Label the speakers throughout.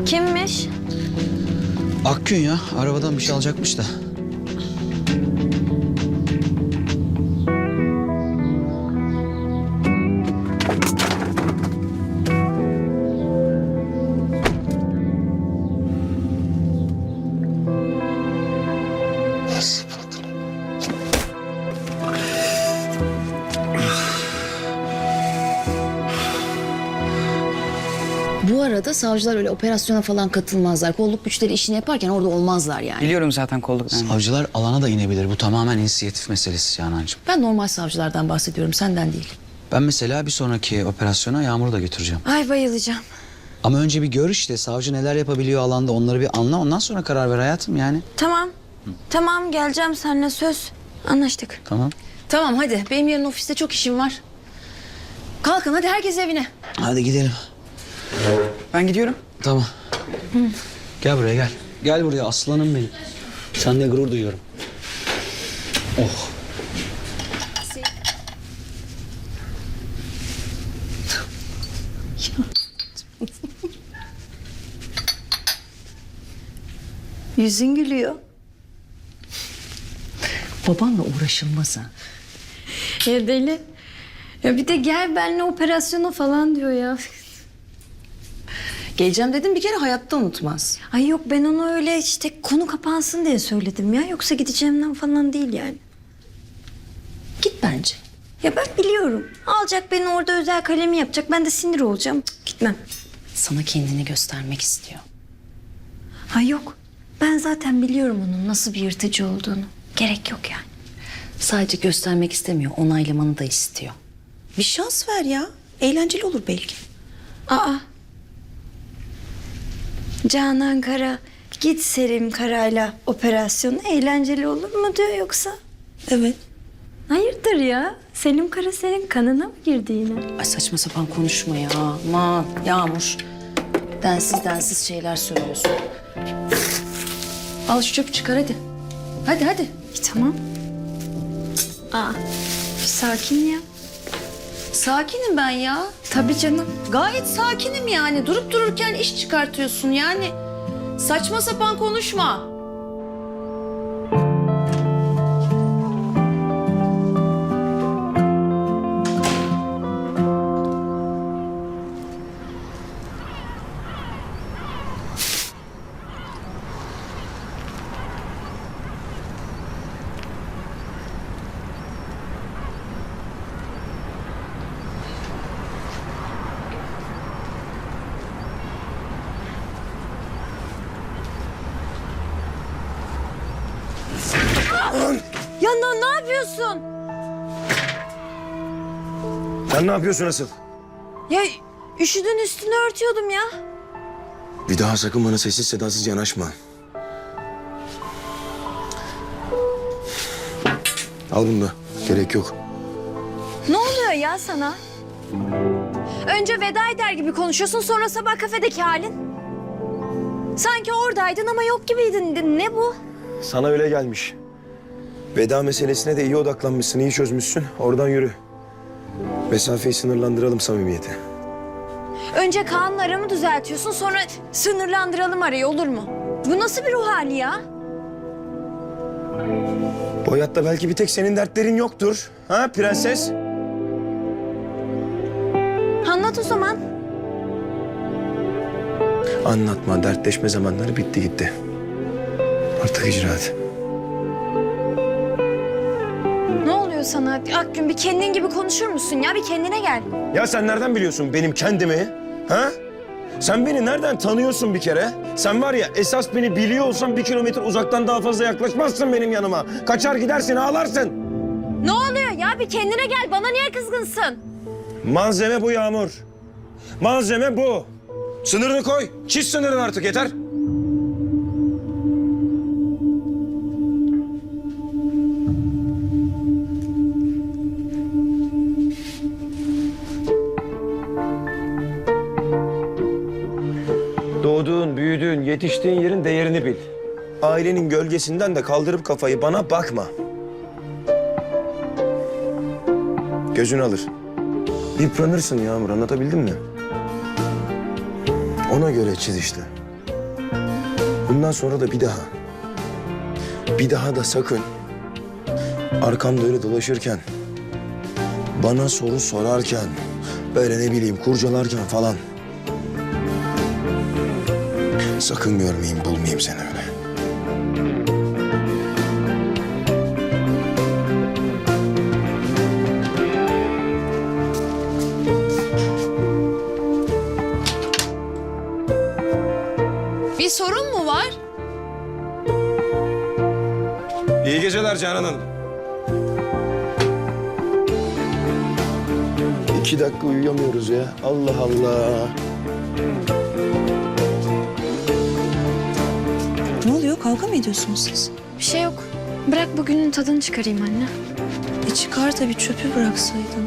Speaker 1: Kimmiş?
Speaker 2: Akgün ya. Arabadan bir şey alacakmış da.
Speaker 3: Bu arada savcılar öyle operasyona falan katılmazlar. Kolluk güçleri işini yaparken orada olmazlar yani.
Speaker 4: Biliyorum zaten kolluklarını.
Speaker 2: Savcılar alana da inebilir. Bu tamamen inisiyatif meselesi Canancığım.
Speaker 3: Ben normal savcılardan bahsediyorum, senden değil.
Speaker 2: Ben mesela bir sonraki operasyona Yağmur'u da götüreceğim.
Speaker 1: Ay bayılacağım.
Speaker 2: Ama önce bir gör işte. Savcı neler yapabiliyor alanda, onları bir anla. Ondan sonra karar ver hayatım yani.
Speaker 1: Tamam. Tamam geleceğim seninle söz. Anlaştık.
Speaker 2: Tamam.
Speaker 3: Tamam hadi, benim yarın ofiste çok işim var. Kalkın hadi, herkes evine.
Speaker 2: Hadi gidelim.
Speaker 4: Ben gidiyorum.
Speaker 2: Tamam. Gel buraya gel. Gel buraya aslanım benim. Seninle gurur duyuyorum. Oh.
Speaker 1: Yüzün gülüyor.
Speaker 3: Babanla uğraşılmaz ha.
Speaker 1: Ya deli. Ya bir de gel benimle operasyona falan diyor ya.
Speaker 3: Geleceğim dedim, bir kere hayatta unutmaz.
Speaker 1: Ay yok, ben onu öyle işte konu kapansın diye söyledim ya. Yoksa gideceğimden falan değil yani.
Speaker 3: Git bence.
Speaker 1: Ya ben biliyorum. Alacak beni orada, özel kalemi yapacak. Ben de sinir olacağım. Cık, gitmem.
Speaker 3: Sana kendini göstermek istiyor.
Speaker 1: Ay yok. Ben zaten biliyorum onun nasıl bir yırtıcı olduğunu. Gerek yok yani.
Speaker 3: Sadece göstermek istemiyor, onaylamanı da istiyor. Bir şans ver ya. Eğlenceli olur belki.
Speaker 1: Aa. Canan Kara git Selim Kara'yla operasyonu eğlenceli olur mu diyor yoksa?
Speaker 3: Evet.
Speaker 1: Hayırdır ya? Selim Kara senin kanına mı girdi yine?
Speaker 3: Ay saçma sapan konuşma ya. Aman Yağmur. Densiz şeyler söylüyorsun. Al şu çöpü çıkar hadi. Hadi hadi.
Speaker 1: Tamam. Aa, bir sakin ya.
Speaker 3: Sakinim ben ya.
Speaker 1: Tabii canım.
Speaker 3: Gayet sakinim yani. Durup dururken iş çıkartıyorsun yani. Saçma sapan konuşma.
Speaker 1: Ya ne yapıyorsun?
Speaker 5: Sen ne yapıyorsun asıl?
Speaker 1: Ya üşüdün, üstünü örtüyordum ya.
Speaker 5: Bir daha sakın bana sessiz sedasız yanaşma. Al bunu da. Gerek yok.
Speaker 1: Ne oluyor ya sana? Önce veda eder gibi konuşuyorsun, sonra sabah kafedeki halin. Sanki oradaydın ama yok gibiydin. Ne bu?
Speaker 5: Sana öyle gelmiş. Veda meselesine de iyi odaklanmışsın, iyi çözmüşsün. Oradan yürü. Mesafeyi sınırlandıralım, samimiyeti.
Speaker 1: Önce Kaan'la aramı düzeltiyorsun, sonra sınırlandıralım arayı, olur mu? Bu nasıl bir ruh hali ya?
Speaker 5: Bu hayatta belki bir tek senin dertlerin yoktur. Ha prenses?
Speaker 1: Anlat o zaman.
Speaker 5: Anlatma, dertleşme zamanları bitti gitti. Artık icraat.
Speaker 1: Ne oluyor sana Akgün? Bir kendin gibi konuşur musun ya? Bir kendine gel.
Speaker 5: Ya sen nereden biliyorsun benim kendimi? Ha? Sen beni nereden tanıyorsun bir kere? Sen var ya, esas beni biliyor olsan 1 kilometre uzaktan daha fazla yaklaşmazsın benim yanıma. Kaçar gidersin, ağlarsın.
Speaker 1: Ne oluyor ya? Bir kendine gel. Bana niye kızgınsın?
Speaker 5: Malzeme bu Yağmur. Malzeme bu. Sınırını koy. Çiz sınırını artık, yeter. Doğduğun, büyüdüğün, yetiştiğin yerin değerini bil. Ailenin gölgesinden de kaldırıp kafayı bana bakma. Gözün alır. Yıpranırsın Yağmur, anlatabildim mi? Ona göre çiz işte. Bundan sonra da bir daha da sakın arkamda öyle dolaşırken, bana soru sorarken, böyle ne bileyim kurcalarken falan sakın görmeyeyim, bulmayayım seni öyle.
Speaker 1: Bir sorun mu var?
Speaker 5: İyi geceler Canan Hanım. 2 dakika uyuyamıyoruz ya. Allah Allah.
Speaker 3: Ne oluyor? Kavga mı ediyorsunuz siz?
Speaker 1: Bir şey yok. Bırak bugünün tadını çıkarayım anne.
Speaker 3: Çıkar tabii, çöpü bıraksaydın.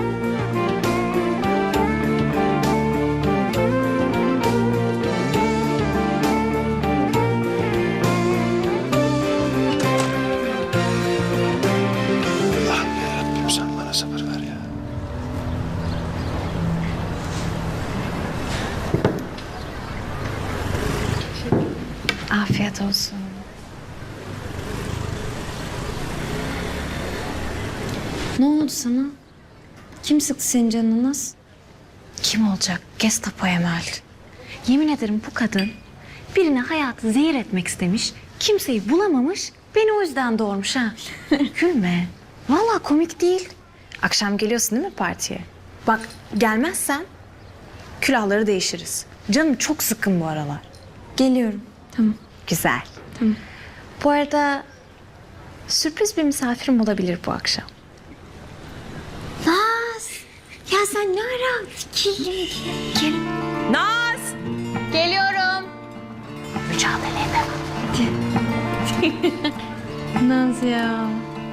Speaker 5: Allah'ım yarabbim sen bana sabır ver ya.
Speaker 1: Afiyet olsun. Ne oldu sana? Kim sıktı senin canını Naz?
Speaker 6: Kim olacak? Gestapo Emel. Yemin ederim bu kadın birine hayatı zehir etmek istemiş. Kimseyi bulamamış. Beni o yüzden doğurmuş ha. Gülme. Vallahi komik değil. Akşam geliyorsun değil mi partiye? Bak gelmezsen külahları değişiriz. Canım çok sıkkın bu aralar.
Speaker 1: Geliyorum. Tamam.
Speaker 6: Güzel.
Speaker 1: Tamam.
Speaker 6: Bu arada sürpriz bir misafirim olabilir bu akşam.
Speaker 1: Naz! Ya sen ne ara fikirli? Gel.
Speaker 6: Naz! Geliyorum. Mücadele edemem.
Speaker 1: Naz ya.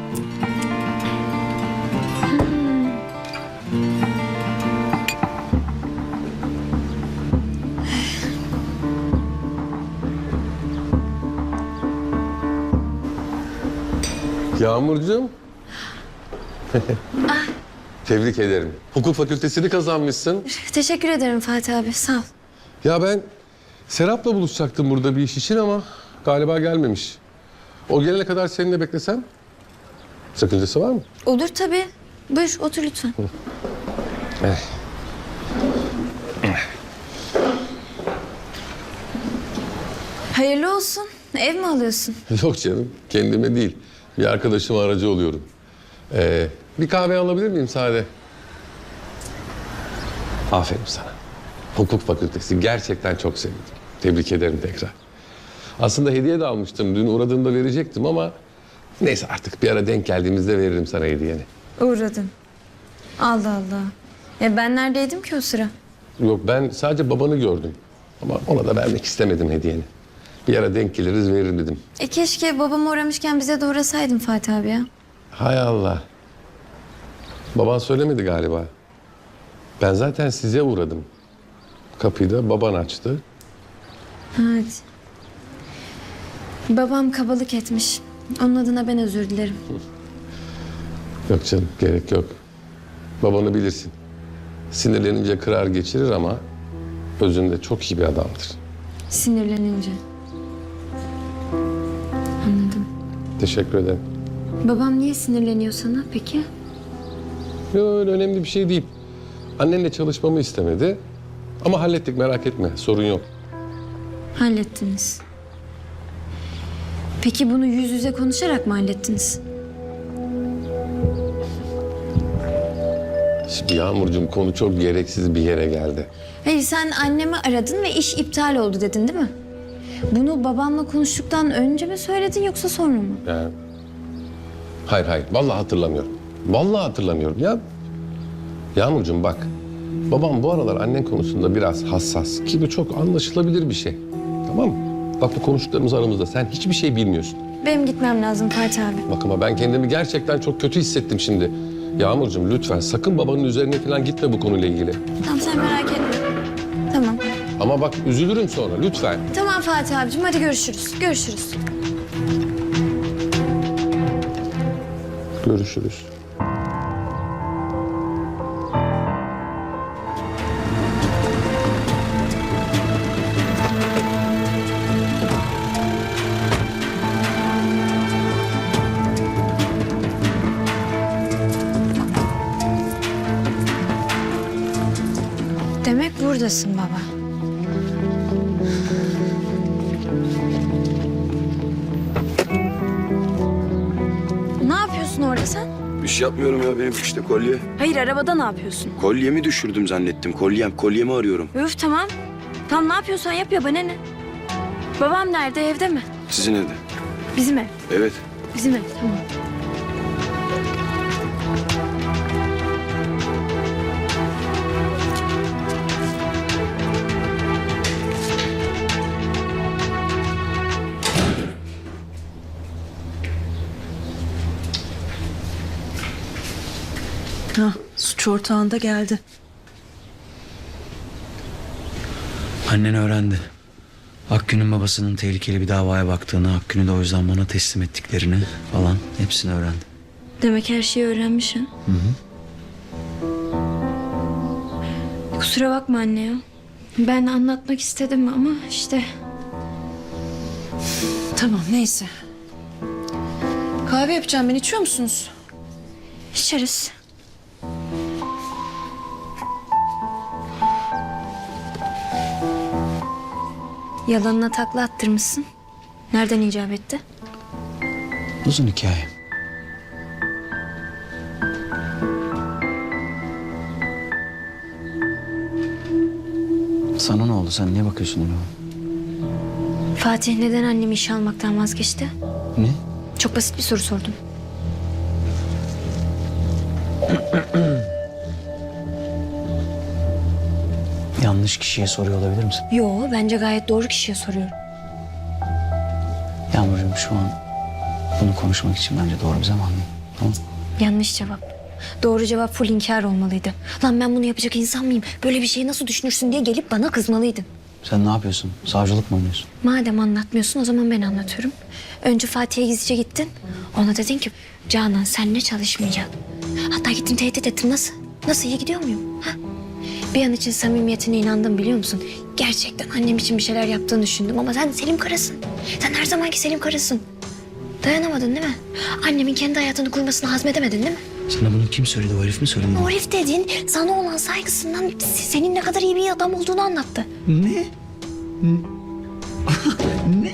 Speaker 7: Yağmurcuğum. Tebrik ederim. Hukuk fakültesini kazanmışsın.
Speaker 1: Teşekkür ederim Fatih abi. Sağ ol.
Speaker 7: Ya ben Serap'la buluşacaktım burada bir iş için ama galiba gelmemiş. O gelene kadar seninle beklesem sakıncası var mı?
Speaker 1: Olur tabii. Buyur otur lütfen. Hayırlı olsun. Ev mi alıyorsun?
Speaker 7: Yok canım, kendime değil. Bir arkadaşıma aracı oluyorum. Bir kahve alabilir miyim sade? Aferin sana. Hukuk fakültesi gerçekten çok sevindim. Tebrik ederim tekrar. Aslında hediye de almıştım. Dün uğradığımda verecektim ama neyse artık bir ara denk geldiğimizde veririm sana hediyeni.
Speaker 1: Uğradın. Allah Allah. Ya ben neredeydim ki o sıra?
Speaker 7: Yok ben sadece babanı gördüm. Ama ona da vermek istemedim hediyeni. Bir ara denk geliriz veririm dedim.
Speaker 1: Keşke babam uğramışken bize de uğrasaydın Fatih abi ya.
Speaker 7: Hay Allah. Baban söylemedi galiba. Ben zaten size uğradım. Kapıyı da baban açtı.
Speaker 1: Evet. Babam kabalık etmiş. Onun adına ben özür dilerim.
Speaker 7: Yok canım gerek yok. Babanı bilirsin. Sinirlenince kırar geçirir ama özünde çok iyi bir adamdır.
Speaker 1: Sinirlenince. Anladım.
Speaker 7: Teşekkür ederim.
Speaker 1: Babam niye sinirleniyor sana peki?
Speaker 7: Yok öyle önemli bir şey değil. Annenle çalışmamı istemedi. Ama hallettik merak etme sorun yok.
Speaker 1: Hallettiniz. Peki bunu yüz yüze konuşarak mı hallettiniz?
Speaker 7: Şimdi Yağmurcuğum konu çok gereksiz bir yere geldi.
Speaker 1: Hayır sen annemi aradın ve iş iptal oldu dedin değil mi? Bunu babamla konuştuktan önce mi söyledin yoksa sonra mı?
Speaker 7: Yani... Hayır vallahi hatırlamıyorum. Vallahi hatırlamıyorum ya. Yağmurcuğum bak. Babam bu aralar annen konusunda biraz hassas ki bu çok anlaşılabilir bir şey. Tamam mı? Bak bu konuştuklarımız aramızda sen hiçbir şey bilmiyorsun.
Speaker 1: Benim gitmem lazım Fatih abi.
Speaker 7: Bak ama ben kendimi gerçekten çok kötü hissettim şimdi. Yağmurcuğum lütfen sakın babanın üzerine falan gitme bu konuyla ilgili.
Speaker 1: Tamam sen merak etme. Tamam.
Speaker 7: Ama bak üzülürüm sonra lütfen.
Speaker 1: Tamam Fatih abicim hadi görüşürüz. Görüşürüz.
Speaker 7: Görüşürüz.
Speaker 1: buradasın baba. Ne yapıyorsun orada sen?
Speaker 5: Bir şey yapmıyorum ya, benim işte kolye.
Speaker 1: Hayır, arabada ne yapıyorsun?
Speaker 5: Kolyemi düşürdüm zannettim. Kolyemi arıyorum.
Speaker 1: Üf, tamam. Tamam, ne yapıyorsan yap ya, bana ne? Babam nerede, evde mi?
Speaker 5: Sizin evde.
Speaker 1: Bizim ev.
Speaker 5: Evet.
Speaker 1: Bizim ev, tamam.
Speaker 3: Hah, suç ortağında geldi.
Speaker 2: Annen öğrendi. Akgün'ün babasının tehlikeli bir davaya baktığını, Akgün'ü de o yüzden bana teslim ettiklerini falan hepsini öğrendi.
Speaker 1: Demek her şeyi öğrenmiş ha? Kusura bakma anne ya. Ben anlatmak istedim ama işte...
Speaker 3: Tamam, neyse. Kahve yapacağım ben, içiyor musunuz?
Speaker 1: İçeriz. Yalanına takla attırmışsın. Nereden icap etti?
Speaker 2: Uzun hikaye. Sana ne oldu? Sen niye bakıyorsun öyle?
Speaker 1: Fatih neden annemi işe almaktan vazgeçti?
Speaker 2: Ne?
Speaker 1: Çok basit bir soru sordum.
Speaker 2: Yanlış kişiye soruyor olabilir misin?
Speaker 1: Yo, bence gayet doğru kişiye soruyorum.
Speaker 2: Yağmurcuğum, şu an bunu konuşmak için bence doğru bir zaman değil. Tamam.
Speaker 1: Yanlış cevap. Doğru cevap full inkar olmalıydı. Lan ben bunu yapacak insan mıyım? Böyle bir şeyi nasıl düşünürsün diye gelip bana kızmalıydın.
Speaker 2: Sen ne yapıyorsun? Savcılık mı oynuyorsun?
Speaker 1: Madem anlatmıyorsun o zaman ben anlatıyorum. Önce Fatih'e gizlice gittin. Ona dedin ki Canan seninle çalışmayacak. Hatta gittim tehdit ettim. Nasıl? Nasıl, iyi gidiyor muyum? Ha? Bir an için samimiyetine inandım, biliyor musun? Gerçekten annem için bir şeyler yaptığını düşündüm ama sen Selim karısın. Sen her zamanki Selim karısın. Dayanamadın değil mi? Annemin kendi hayatını kurmasını hazmedemedin değil mi?
Speaker 2: Sana bunu kim söyledi? O herif mi söyledi?
Speaker 1: O herif dediğin sana olan saygısından senin ne kadar iyi bir adam olduğunu anlattı.
Speaker 2: Ne? Ne?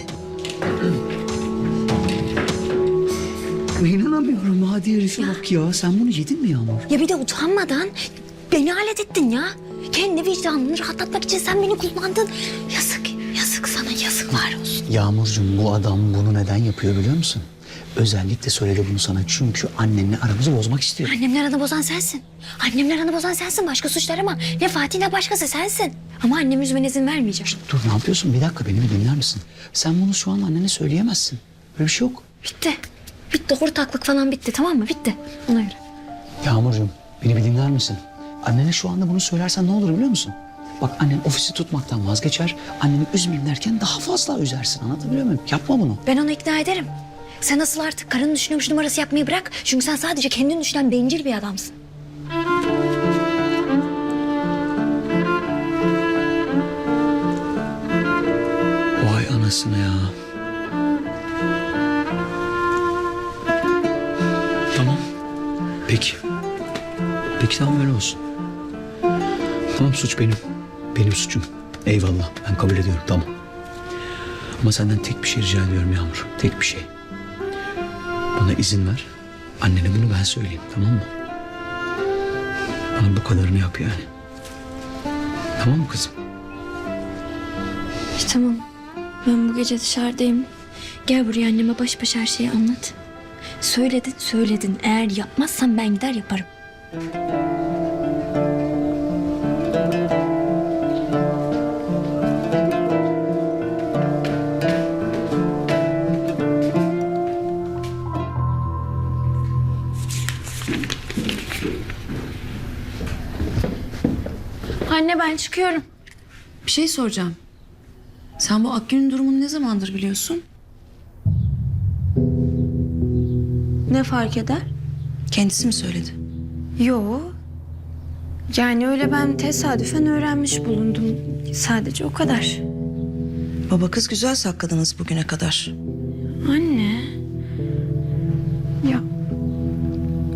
Speaker 2: İnanamıyorum, hadi herife bak ya. Sen bunu yedin mi Yağmur?
Speaker 1: Ya bir de utanmadan beni alet ettin ya. Kendi vicdanını rahatlatmak için sen beni kullandın. Yazık, yazık sana, yazıklar olsun.
Speaker 2: Yağmurcuğum, bu adam bunu neden yapıyor biliyor musun? Özellikle söyledi bunu sana çünkü annenle aramızı bozmak istiyor.
Speaker 1: Annemle aranı bozan sensin. Annemle aranı bozan sensin. Başka suçlar ama ne Fatih ne başkası sensin. Ama annemi üzmene izin vermeyeceğim.
Speaker 2: Dur, ne yapıyorsun? Bir dakika, beni bir dinler misin? Sen bunu şu an annene söyleyemezsin. Böyle bir şey yok.
Speaker 1: Bitti. Bitti. Ortaklık falan bitti, tamam mı? Bitti. Ona göre.
Speaker 2: Yağmurcuğum, beni bir dinler misin? Annene şu anda bunu söylersen ne olur biliyor musun? Bak, annen ofisi tutmaktan vazgeçer. Annemi üzmeyeyim derken daha fazla üzersin. Anlatabiliyor muyum? Yapma bunu.
Speaker 1: Ben onu ikna ederim. Sen asıl artık karını düşünüyormuş numarası yapmayı bırak. Çünkü sen sadece kendini düşünen bencil bir adamsın.
Speaker 2: Vay anasını ya. Tamam. Peki. Peki, tamam, öyle olsun. Tamam, suç benim. Benim suçum. Eyvallah, ben kabul ediyorum, tamam. Ama senden tek bir şey rica ediyorum Yağmur. Tek bir şey. Bana izin ver. Annene bunu ben söyleyeyim, tamam mı? Bana bu kadarını yap yani. Tamam mı kızım?
Speaker 1: Tamam. Ben bu gece dışarıdayım. Gel buraya, anneme baş başa her şeyi anlat. Söyledin, söyledin. Eğer yapmazsan ben gider yaparım. Anne, ben çıkıyorum.
Speaker 3: Bir şey soracağım. Sen bu Akgün'ün durumunu ne zamandır biliyorsun?
Speaker 1: Ne fark eder?
Speaker 3: Kendisi mi söyledi?
Speaker 1: Yo. Yani öyle ben tesadüfen öğrenmiş bulundum. Sadece o kadar.
Speaker 8: Baba kız güzel sakladınız bugüne kadar.
Speaker 1: Anne. Ya.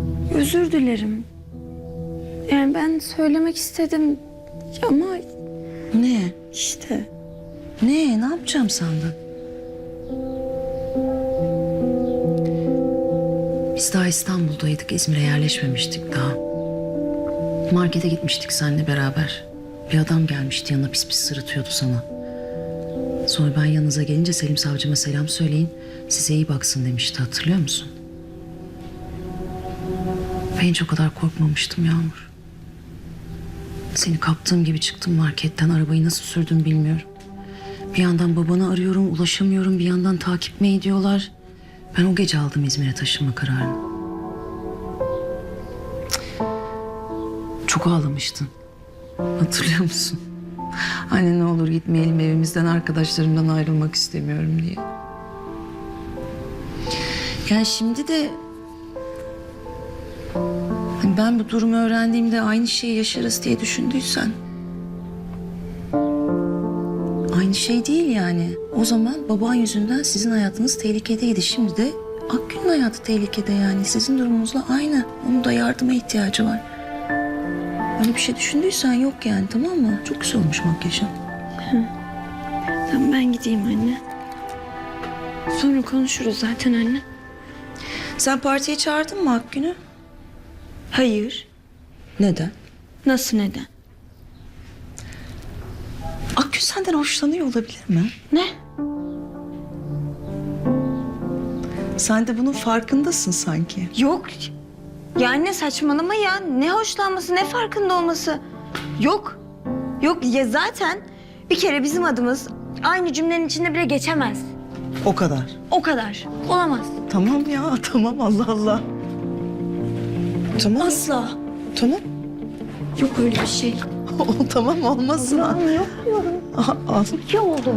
Speaker 1: Özür dilerim. Yani ben söylemek istedim ama
Speaker 3: Ne?
Speaker 8: İşte.
Speaker 3: Ne yapacağım sandın? Biz daha İstanbul'daydık, İzmir'e yerleşmemiştik daha. Markete gitmiştik seninle beraber. Bir adam gelmişti, yanına pis pis sırıtıyordu sana. Sonra ben yanınıza gelince Selim savcıma selam söyleyin, size iyi baksın demişti, hatırlıyor musun? Ben hiç o kadar korkmamıştım Yağmur. Seni kaptığım gibi çıktım marketten, arabayı nasıl sürdüm bilmiyorum. Bir yandan babanı arıyorum, ulaşamıyorum, bir yandan takip mi ediyorlar? Ben o gece aldım İzmir'e taşınma kararını. Cık. Çok ağlamıştın. Hatırlıyor musun? Anne ne olur gitmeyelim evimizden, arkadaşlarımdan ayrılmak istemiyorum diye. Yani şimdi de... hani ben bu durumu öğrendiğimde aynı şeyi yaşarız diye düşündüysen... aynı şey değil yani. O zaman baban yüzünden sizin hayatınız tehlikedeydi. Şimdi de Akgün'ün hayatı tehlikede yani. Sizin durumunuzla aynı. Onun da yardıma ihtiyacı var. Öyle bir şey düşündüysen yok yani, tamam mı? Çok güzel olmuş makyajın.
Speaker 1: Tamam ben gideyim anne. Sonra konuşuruz zaten anne.
Speaker 8: Sen partiye çağırdın mı Akgün'ü?
Speaker 1: Hayır.
Speaker 8: Neden?
Speaker 1: Nasıl neden?
Speaker 8: Akgün senden hoşlanıyor olabilir mi?
Speaker 1: Ne?
Speaker 8: Sen de bunun farkındasın sanki.
Speaker 1: Yok. Ya anne saçmalama ya. Ne hoşlanması ne farkında olması. Yok. Yok ya zaten bir kere bizim adımız aynı cümlenin içinde bile geçemez.
Speaker 8: O kadar.
Speaker 1: O kadar. Olamaz.
Speaker 8: Tamam ya, tamam, Allah Allah. Tamam.
Speaker 1: Asla.
Speaker 8: Tamam.
Speaker 1: Yok öyle bir şey.
Speaker 8: Tamam, olmasın.
Speaker 1: Yok diyorum.
Speaker 8: Al.
Speaker 1: İki oldu.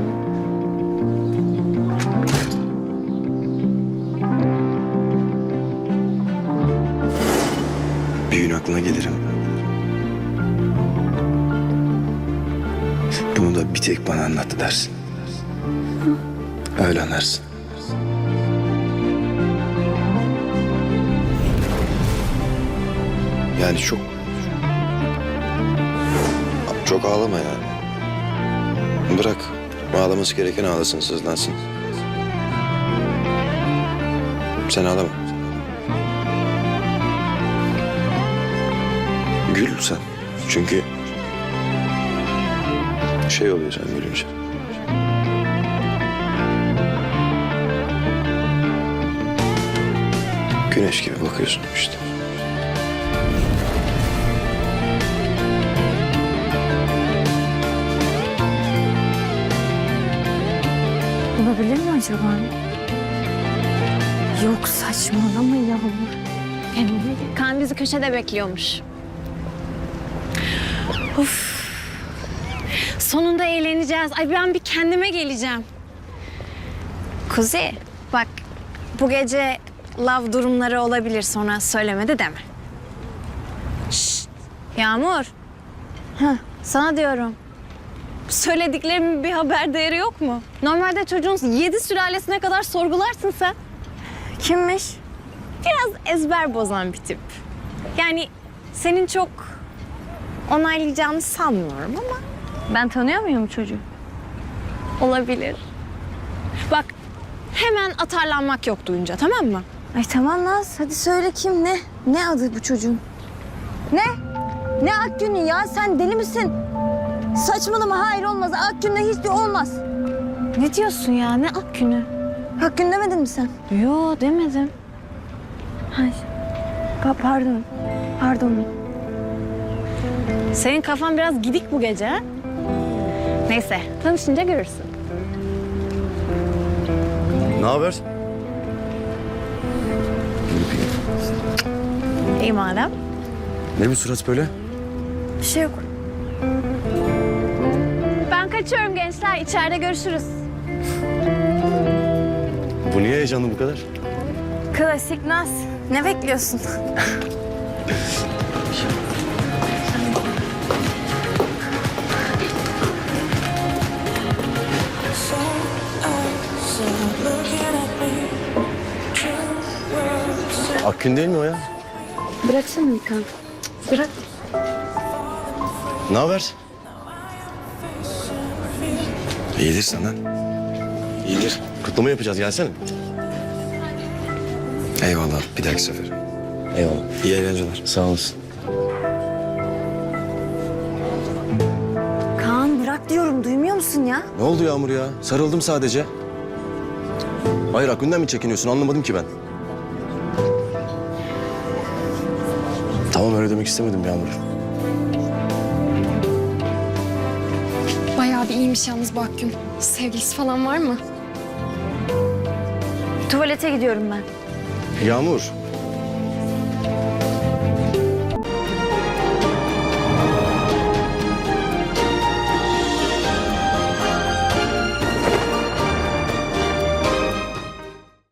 Speaker 5: Bir gün aklına gelirim. Bunu da bir tek bana anlattı dersin. Öyle anlarsın. Yani çok ağlama ya. Bırak. Ağlaması gereken ağlasın, sızlansın. Sen ağlama. Gül sen. Çünkü şey oluyor sen gülünce. Güneş gibi bakıyorsun işte.
Speaker 1: Olabilir mi acaba? Yok saçmalama Yağmur. Kaan bizi köşede bekliyormuş. Of. Sonunda eğleneceğiz. Ay ben bir kendime geleceğim. Kuzey bak bu gece love durumları olabilir, sonra söylemedi deme. Şşt, Yağmur. Heh, sana diyorum. Söylediklerimin bir haber değeri yok mu? Normalde çocuğun 7 sülalesine kadar sorgularsın sen. Kimmiş? Biraz ezber bozan bir tip. Yani senin çok onaylayacağını sanmıyorum ama ben tanıyor muyum çocuğu? Olabilir. Bak hemen atarlanmak yok duyunca, tamam mı? Ay tamam Naz, hadi söyle kim, ne? Ne adı bu çocuğun? Ne? Ne Akgün'ü ya, sen deli misin? Saçmalama, hayır olmaz. Akgün'le hiçbir olmaz. Ne diyorsun ya, ne Akgün'ü? Akgün demedin mi sen? Yo demedim. Hayır. Pardon. Pardon. Senin kafan biraz gidik bu gece ha? Neyse, tanışınca görürsün.
Speaker 5: Ne haber?
Speaker 1: İyi madem.
Speaker 5: Ne bu surat böyle?
Speaker 1: Bir şey yok. Ben kaçıyorum gençler, içeride görüşürüz.
Speaker 5: Bu niye heyecanlı bu kadar?
Speaker 1: Klasik Naz. Ne bekliyorsun?
Speaker 5: Akgün değil mi o ya?
Speaker 1: Bıraksana Mikan. Bırak.
Speaker 5: Ne haber?
Speaker 9: İyidir senden. İyidir. Kutlama yapacağız, gelsene.
Speaker 5: Eyvallah, bir dahaki sefer.
Speaker 9: Eyvallah.
Speaker 5: İyi eğlenceler.
Speaker 9: Sağ olasın.
Speaker 1: Kaan bırak diyorum, duymuyor musun ya?
Speaker 9: Ne oldu Yağmur ya? Sarıldım sadece. Hayır, Akgün'den mi çekiniyorsun? Anlamadım ki ben. Tamam, öyle demek istemedim Yağmur.
Speaker 10: Bayağı bir iyiymiş yalnız bu Akgün. Sevgilisi falan var mı?
Speaker 1: Tuvalete gidiyorum ben.
Speaker 9: Yağmur,